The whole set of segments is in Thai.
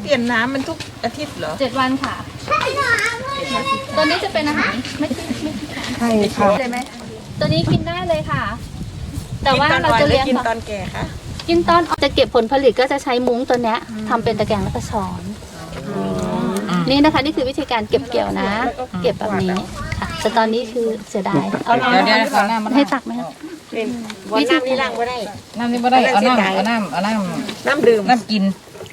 เปลี่ยนน้ำมันทุกอาทิตย์เหรอ 7 วันค่ะตัวนี้จะเป็นอาหารไม่ใช่ค่ะเลยไหมตัวนี้กินได้เลยค่ะ แต่ว่าเราจะเลี้ยงกินแบบตอนแก่คะกินตอนจะเก็บผลผลิตก็จะใช้มุ้งตัวเนี้ยทำเป็นตะแกรงแล้วก็ช้อนนี่นะคะนี่คือวิธีการเก็บเกี่ยวนะ เก็บแบบนี้ค่ะแต่ตอนนี้คือเสียดายเอาเดี๋ยวขอน้ำให้ตักไหมคะวันน้ำนี่ล้างไม่ได้น้ำนี่ไม่ได้เอาน้ำดื่มน้ำกิน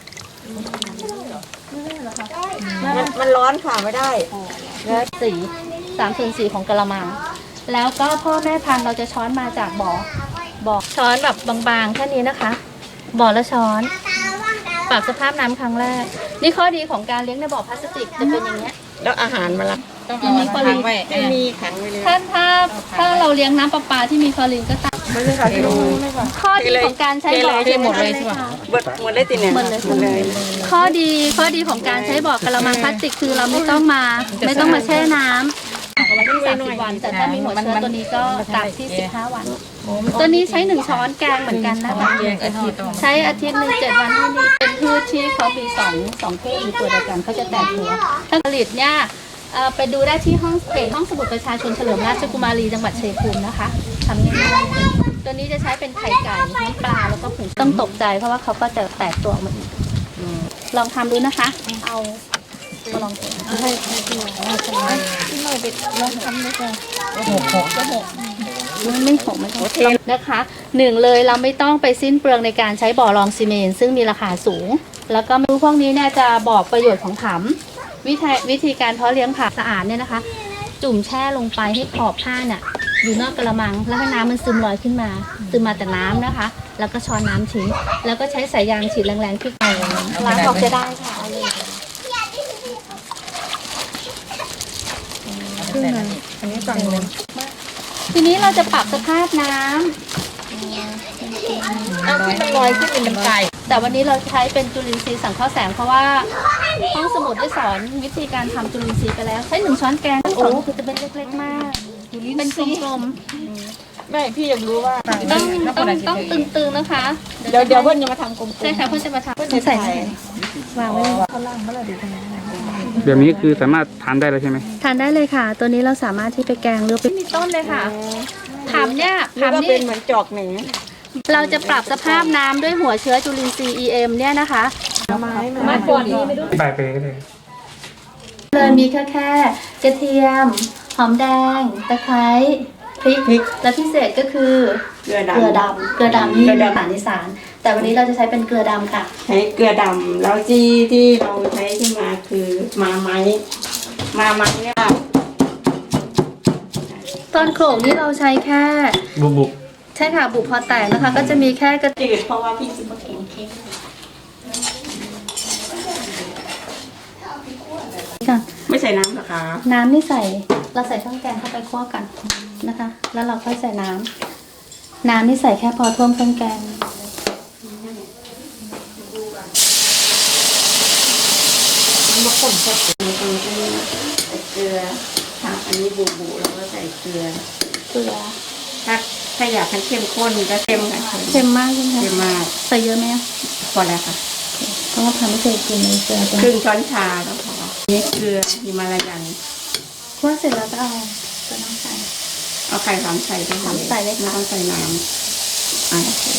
มันร้อนค่ะไม่ได้สี3/4ของกะละมังแล้วก็พ่อแม่พันธุ์เราจะช้อนมาจากบ่อช้อนแบบบางๆแค่นี้นะคะบ่อละช้อนปรับสภาพน้ำครั้งแรกนี่ข้อดีของการเลี้ยงในบ่อพลาสติกจะเป็นอย่างเงี้ยแล้วอาหารมาละต้องเอาค้างไว้ไม่มีขังไว้เลยถ้าเราเลี้ยงน้ำประปาที่มีคลอรีนก็ตามมันเลยค่ะข้อดีของการใช้บ่อเทหมดเลยใช่ไหมหมดเลยติเนี่ยหมดเลยข้อดีของการใช้บ่อกะละมังพลาสติกคือเราไม่ต้องมาแช่น้ำ30 วันแต่ถ้ามีหัวเชื้อตัวนี้ก็ตากที่15 วัน ตัวนี้ใช้1 ช้อนแกงเหมือนกันนะคะ ใช้อาทิตย์หนึ่ง7 วันที่นี่เป็นพืชที่เขามีสองพืชอยู่ตัวเดียวกันเขาจะแตกหัวถ้าผลิตเนี่ยไปดูได้ที่ห้องสมุดประชาชนเฉลิมราชกุมารีจังหวัดชัยภูมินะคะทำง่ายๆตัวนี้จะใช้เป็นไข่ไก่น้ำปลาแล้วก็ผงต้องตกใจเพราะว่าเขาก็จะแตกตัวออกมาอีกลองทำดูนะคะ เอามาลองให้พี่หน่อยไปลองทำด้วยกันไม่หกนะคะ1เลยเราไม่ต้องไปสิ้นเปลืองในการใช้บ่อรองซีเมนต์ซึ่งมีราคาสูงแล้วก็พวกนี้เนี่ยจะบอกประโยชน์ของผำวิธีการเพาะเลี้ยงผักสะอาดเนี่ยนะคะ จุ่มแช่ลงไปให้ขอบผ้าเนี่ยอยู่นอกกระมังแล้วให้น้ำมันซึมลอยขึ้นมาแต่น้ำนะคะ แล้วก็ช้อนน้ำทิ้งแล้วก็ใช้สายยางฉีดแรงๆที่ไก่ล้างออกจะได้ค่ะเอาเลยอันนี้ฝั่งนึงทีนี้เราจะปรับสภาพน้ำเอาที่มันลอยขึ้นเป็นไก่แต่วันนี้เราใช้เป็นจุลินทรีย์สังเคราะห์แสงเพราะว่าห้องสมุดได้สอนวิธีการทำจุลินทรีย์ไปแล้วใช้1 ช้อนแกงโอ้คือจะเป็นเล็กๆมากเป็นกลมๆไม่พี่อยากรู้ว่าต้องตึงๆนะคะเดี๋ยวเพื่อนจะมาทำกลมๆใช่ค่ะเพื่อนจะมาทำใส่วางไว้เลยแบบนี้คือสามารถทานได้แล้วใช่ไหมทานได้เลยค่ะ ตัวนี้เราสามารถที่ไปแกงหรือไปมีต้นเลยค่ะผำเนี่ยหรือว่าผำเป็นี่นเหมือนจอกหนึ่งเราจะปรับสภาพน้ำด้วยหัวเชื้อจุลินทรีย์ EM เนี่ยนะคะมาก่อนนี้ไม่รู้ใบไปก็ได้เลยมีแค่กระเทียมหอมแดงตะไคร้พริกและพิเศษก็คือเกลือเกลือดำดำนี่เป็นอาหารอีสานแต่วันนี้เราจะใช้เป็นเกลือดำค่ะใช้เกลือดำแล้วที่เราใช้ขึ้นมาคือมาไม้เนี่ยตอนโขลกนี่เราใช้แค่บุบใช่ค่ะบุกพอแตกนะคะ ก็จะมีแค่กระเทียมจืดเพราะว่าพี่จะมากินเค้กค่ะไม่ใส่น้ำเหรอคะน้ำนี่ใส่เราใส่เครื่องแกงเข้าไปคั่วกันนะคะ แล้วเราค่อยใส่น้ำนี่ใส่แค่พอท่วมเครื่องแกงมันบะข่มแค่ตรงนี้ใส่เกลือค่ะอันนี้บูแล้วก็ใส่เกลือเกลือถ้าอยากให้เข้มข้นก็เข้มค่ะเค็มมากใช่ไหมเข้มคะมากใส่เยอะไหมคะพอแล้วค่ะเพราะว่าทำไม่เคยกินเลยเกลือครึ่งช้อนชาก็พอนี่เกลือฮิมาลายันคั่วเสร็จแล้วก็เอาตัวน้ำใส่เอาไข่3ใส่ไปเลยใส่เลยค่ะไม่ต้องใส่น้ำโอเค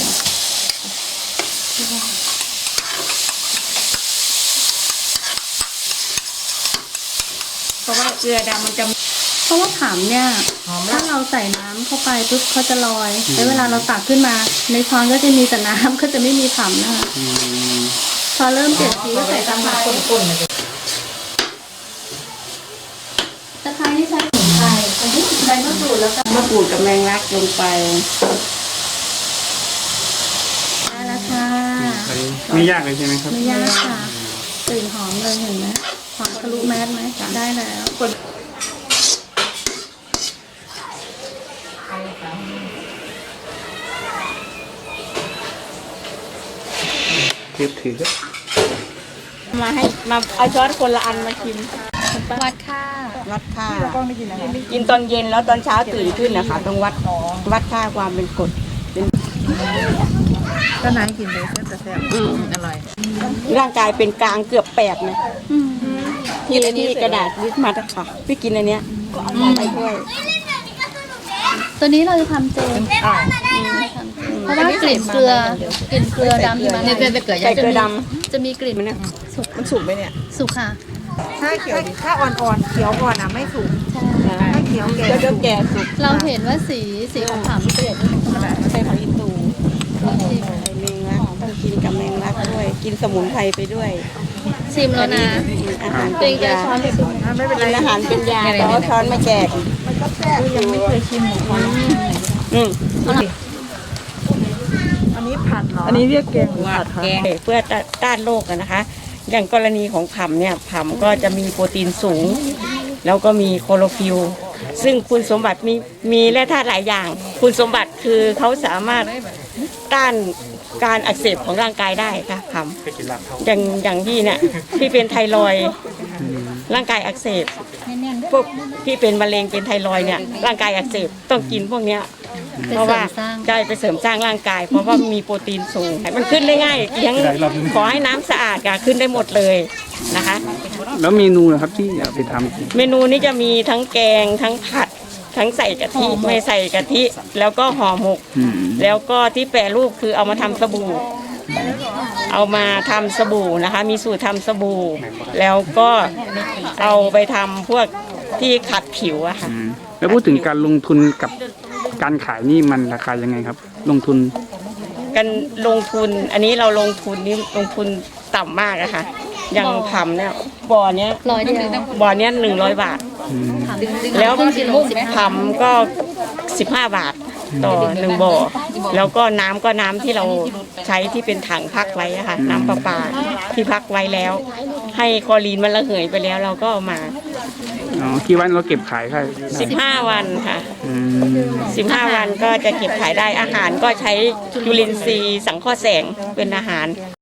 เพราะว่าเกลือดำมันจะเพราะว่าผำเนี่ยถ้าเราใส่น้ำเข้าไปปุ๊บเขาจะลอยแล้วเวลาเราตักขึ้นมา ในช้อนก็จะมีแต่น้ำก็จะไม่มีผำนะคะพอเริ่มเปลี่ยนสีก็ใส่ตะไคร้ตะไคร้นี่ใช้สมุนไพรอันนี้ใบมะกรูดแล้วก็มะกรูดกับแมงลักลงไปได้แล้วค่ะไม่ยากเลยใช่ไหมครับไม่ยากค่ะกลิ่นหอมเลยเห็นไหมหอมทะลุแมสไหมได้แล้วถือมาเอาช้อนคนละอันมาชิมวัดค่ะวัดค่ากินตอนเย็นแล้วตอนเช้าตื่นขึ้นนะคะต้องวัดค่าความเป็นกรดเป็นก็นายกินเลยแต่แซ่บอร่อยร่างกายเป็นกลางเกือบ8นะอืมที่กระดาษลิสมาค่ะพี่กินอันเนี้ยไปด้วยตัวนี้เราจะทำเจเพราะว่ากลิ่นเกลือดำที่มันนี่จะเกิดใส่เกลือดจะมีกลิ่นำมันเนี่ยมันสุกไหมเนี่ยสุกค่ะถ้าเขียวถ้าอ่อนๆเขียวอ่อนอ่ะไม่สุกถ้าเขียวแก่เดี๋ยวแก่สุกเราเห็นว่าสีของขาวมันเปลี่ยนใส่ผักอีตูใส่แมงลักต้องกินกับแมงลักด้วย กินสมุนไพรไปด้วยชิมแล้วนะอาหารตัเป็วน เองจะยาช้อนไปสุกไม่เป็นไรกินอาหารเป็นยาแต่เอาช้อนมาแจกยังไม่เคยชิมอืมอันนี้ผัดเหรออันนี้เรียกแกงผัดแกงเพื่อต้านโรคอะนะคะ อย่างกรณีของผำเนี่ยผำก็จะมีโปรตีนสูง แล้วก็มีโคโรฟิลลซึ่งคุณสมบัติมีแร่ธาตุหลายอย่าง คุณสมบัติคือเขาสามารถต้านการอักเสบของร่างกายได้ค่ะผำอย่างพี่เนี่ยพี่เป็นไทรอยด์ร่างกายอักเสบพวกที่เป็นมะเร็งเป็นไทรอยด์เนี่ยร่างกายอักเสบต้องกินพวกเนี้ย เพราะว่าได้ไปเสริมสร้างร่างกาย เพราะว่ามีโปรตีนสูงมันขึ้นได้ง่ายเลี้ยงขอให้น้ำสะอาดค่ะขึ้นได้หมดเลยนะคะแล้วเมนูนะครับที่เอาไปทำเมนูนี้จะมีทั้งแกงทั้งผัดทั้งใส่กะทิไม่ใส่กะทิแล้วก็ห่อหมกอืมแล้วก็ที่แปรรูปคือเอามาทำสบู่ เอามาทำสบู่นะคะ มีสูตรทำสบู่ แล้วก็เอาไปทำพวกที่ขัดผิวอะค่ะอืมแล้วพูดถึงการลงทุนกับการขายนี่มันราคายังไงครับ ลงทุนกันลงทุนอันนี้เราลงทุนนี่ลงทุนต่ำมากอะค่ะอย่างผำเนี่ยบ่อเนี้ย 100 เดียวบ่อเนี้ย100 บาทอืมแล้วครึ่งกิโล15 ผำก็15 บาทต่อ1บ่อแล้วก็น้ำที่เราใช้ที่เป็นถังพักไว้อะค่ะน้ำประปาที่พักไว้แล้ว ให้คลอรีนมันระเหยไปแล้วเราก็เอามาอ๋อกี่วันเราเก็บขายค่ะ 15 วันค่ะอืม 15 วันก็จะเก็บขายได้อาหารก็ใช้จุลินทรีย์สังเคราะห์แสงเป็นอาหาร